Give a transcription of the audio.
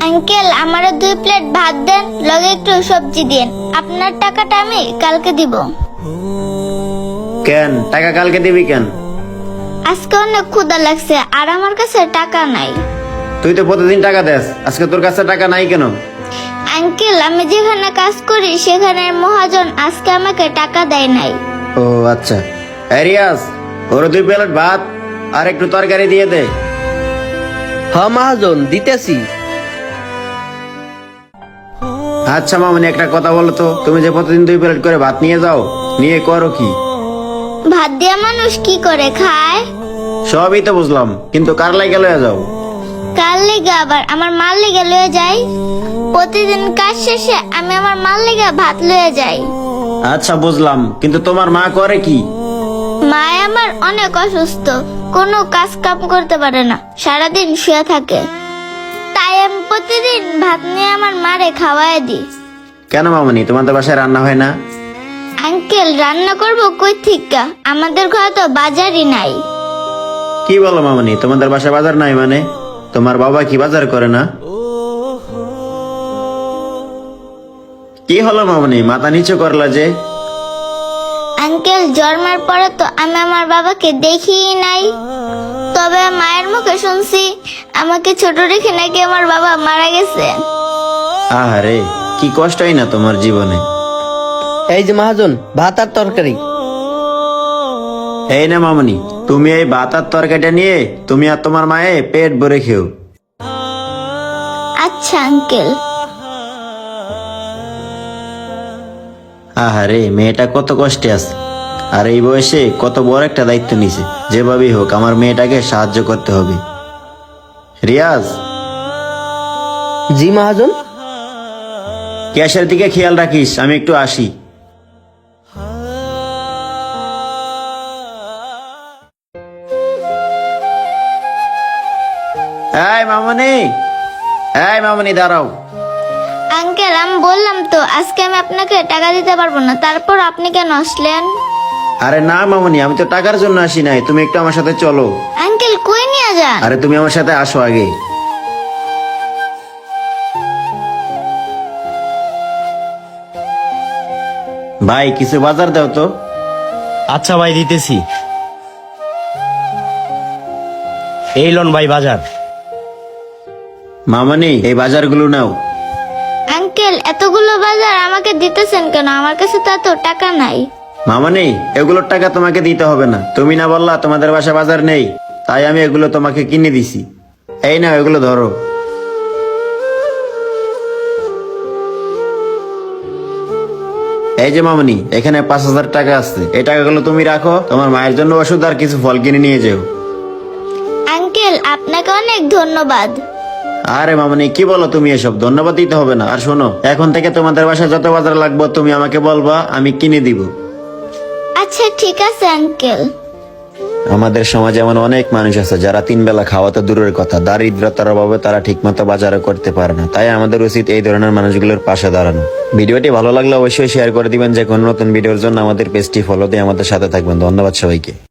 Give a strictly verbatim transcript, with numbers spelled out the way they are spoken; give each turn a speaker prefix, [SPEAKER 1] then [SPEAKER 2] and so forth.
[SPEAKER 1] Uncle আমারে দুই plate ভাত দেন, লগে একটু সবজি দেন। আপনার টাকাটা আমি কালকে দিব।
[SPEAKER 2] কেন টাকা কালকে দিবি কেন?
[SPEAKER 1] আজকে অনেক ক্ষুধা লাগছে আর আমার কাছে টাকা নাই।
[SPEAKER 2] তুই তো প্রতিদিন টাকা দেস, আজকে তোর কাছে টাকা নাই কেন?
[SPEAKER 1] আঙ্কেল আমি যেখানে কাজ করি সেখানে মহাজন আজকে আমাকে টাকা দেয় নাই।
[SPEAKER 2] ও আচ্ছা। এই রিয়াজ, ওর দুই প্লেট ভাত আর একটু তরকারি দিয়ে দে।
[SPEAKER 3] হ মহাজন, দিতেছি।
[SPEAKER 2] আচ্ছা মামনি, একটা কথা বলো তো, তুমি যে প্রতিদিন দুই প্লেট করে ভাত নিয়ে যাও, নিয়ে করো কি?
[SPEAKER 1] ভাত দিয়া মানুষ কি করে খায়?
[SPEAKER 2] সবই তো বুঝলাম, কিন্তু কার লাগে লয়ে যাও?
[SPEAKER 1] কার লেগে আবার? আমার মার লেগে লয়ে যাই। প্রতিদিন কাজ শেষে আমি আমার মার লেগে ভাত লয়ে যাই।
[SPEAKER 2] আচ্ছা বুঝলাম, কিন্তু তোমার মা করে কি?
[SPEAKER 1] মা আমার অনেক অসুস্থ, কোনো কাজ কাম করতে পারে না, সারাদিন শুয়ে থাকে। তাই আমি প্রতিদিন ভাত নিয়ে আমার মারে খাওয়াই দিই।
[SPEAKER 2] কেন মামনি, তোমাদের বাসায় রান্না হয় না?
[SPEAKER 1] আঙ্কেল রান্না করব কই থেকে? আমাদের ঘরে তো বাজারই নাই।
[SPEAKER 2] কি বলো মামনি, তোমাদের বাসায় বাজার নাই মানে? তোমার বাবা কি বাজার করে না? কি হলো মামনি, মাথা নিচু করলা যে?
[SPEAKER 1] আঙ্কেল জন্মের পরে তো আমি আমার বাবাকে দেখিই নাই। তবে মায়ের মুখে শুনছি আমাকে ছোট রেখে নাকি আমার বাবা মারা গেছে।
[SPEAKER 2] আহারে, কি কষ্টই না তোমার জীবনে।
[SPEAKER 3] এই যে মহাজন, ভাত আর তরকারি।
[SPEAKER 2] এই না মামনি, তুমি এই ভাত আর তরকারিটা নিয়ে তুমি আর তোমার মায়ে পেট ভরে খেও।
[SPEAKER 1] আচ্ছা আঙ্কেল।
[SPEAKER 2] আহারে, মেয়েটা কত কষ্টে আছে, আর এই বয়সে কত বড় একটা দায়িত্ব নিছে। যেভাবেই হোক আমার মেয়েটাকে সাহায্য করতে হবে। রিয়াজ,
[SPEAKER 3] জি মহাজন।
[SPEAKER 2] গ্যাসের দিকে খেয়াল রাখিস, আমি একটু আসি। এই মামনি, এই মামনি দাঁড়াও।
[SPEAKER 1] আঙ্কেল আমি বললাম তো আজকে আমি আপনাকে টাকা দিতে পারবো না, তারপর আপনি কেন আসলেন?
[SPEAKER 2] আরে না মামনি, আমি তো টাকার জন্য আসি নাই, তুমি একটু আমার সাথে চলো।
[SPEAKER 1] আঙ্কেল কই নিয়ে যান?
[SPEAKER 2] আরে তুমি আমার সাথে আসো আগে। ভাই কিছু বাজার দাও তো।
[SPEAKER 4] আচ্ছা ভাই, দিতেছি। এই লন ভাই বাজার।
[SPEAKER 2] মামনি এই বাজারগুলো নাও।
[SPEAKER 1] আঙ্কেল এতগুলো বাজার আমাকে দিতেছেন কেন? আমার কাছে তো এত টাকা নাই।
[SPEAKER 2] মামনি এগুলোর টাকা তোমাকে দিতে হবে না, তুমি না বললা তোমাদের বাসা বাজার নেই, তাই আমি এগুলো তোমাকে কিনে দিছি। এই নাও, এগুলো ধরো। এই যে মামনি, এখানে পাঁচ হাজার টাকা আছে, এই টাকাগুলো তুমি রাখো, তোমার মায়ের জন্য ওষুধ আর কিছু ফল কিনে নিয়ে যেও।
[SPEAKER 1] আঙ্কেল আপনাকে অনেক ধন্যবাদ।
[SPEAKER 2] আরে মামনি কি বলো তুমি, এসব ধন্যবাদ দিতে হবে না। আর শোনো, এখন থেকে তোমাদের বাসায় যত বাজার লাগবে তুমি আমাকে বলবা, আমি কিনে দিব।
[SPEAKER 1] আচ্ছা ঠিক আছে আঙ্কেল।
[SPEAKER 2] আমাদের সমাজে এমন অনেক মানুষ আছে যারা তিন বেলা খাওয়া তো দূরের কথা, দারিদ্রতার অভাবে তারা ঠিকমতো বাজারও করতে পারে না। তাই আমাদের উচিত এই ধরনের মানুষগুলোর পাশে দাঁড়ানো। ভিডিওটি ভালো লাগলে অবশ্যই শেয়ার করে দিবেন। যে কোনো নতুন ভিডিওর জন্য আমাদের পেজটি ফলো দিয়ে আমাদের সাথে থাকবেন। ধন্যবাদ সবাইকে।